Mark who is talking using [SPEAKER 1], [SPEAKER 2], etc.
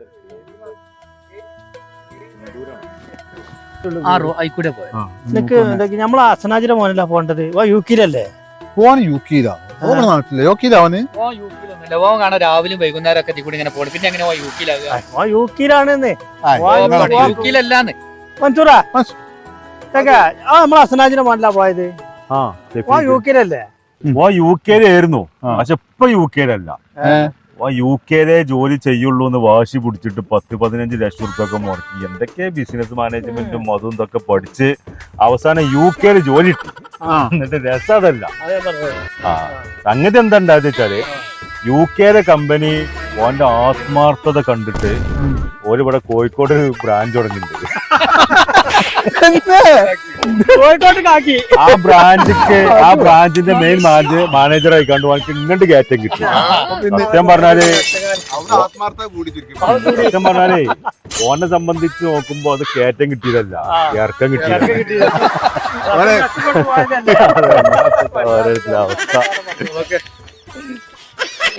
[SPEAKER 1] ആയിക്കൂടെ പോയ
[SPEAKER 2] നമ്മളെ അസനാജിന്റെ മോനല്ല പോണ്ടത് യുക്കിലല്ലേ
[SPEAKER 3] പോവാൻ യുക്കിയിലാ നാട്ടിലെ യുക്കിയിലാവന്
[SPEAKER 1] ഓൻ കാണാൻ രാവിലെയും വൈകുന്നേരം ഒക്കെ കൂടി ഇങ്ങനെ പോകണം പിന്നെ എങ്ങനെ യുക്കിയിലാകുക
[SPEAKER 2] യുക്കിയിലാണെന്ന്
[SPEAKER 1] യുക്കിയിലല്ലാന്ന്
[SPEAKER 2] മൻസൂറാ നമ്മളെ അസനാജിന്റെ മോനല്ല പോയത് യുക്കിലല്ലേ
[SPEAKER 4] യുകെയിലായിരുന്നു പക്ഷെ ഇപ്പൊ യുകെയിലല്ല യുകെയിലെ ജോലി ചെയ്യുള്ളൂ എന്ന് വാശി പിടിച്ചിട്ട് 10-15 ലക്ഷം റുപ്യൊക്കെ മുടക്കി എന്തൊക്കെ ബിസിനസ് മാനേജ്മെന്റും അതും ഇതൊക്കെ പഠിച്ച് അവസാനം യുകെയിൽ ജോലി ഇട്ടു. എന്നിട്ട് രസം അതല്ല. സംഗതി എന്താ ഉണ്ടായത് വെച്ചാല് യുകെയിലെ കമ്പനി ഓന്റെ ആത്മാർത്ഥത കണ്ടിട്ട് ഓരിവിടെ കോഴിക്കോട് ബ്രാഞ്ച് തുടങ്ങിയിട്ടുണ്ട്. ആ ബ്രാഞ്ചിന്റെ മെയിൻ മാനേജർ ആയിക്കാണ്ട് എനിക്ക് ഇങ്ങോട്ട് കയറ്റം കിട്ടി. സത്യം പറഞ്ഞാലേ ഓനെ സംബന്ധിച്ച് നോക്കുമ്പോ അത് കയറ്റം കിട്ടിയതല്ല, ഇറക്കം കിട്ടിയതല്ല. അവസ്ഥ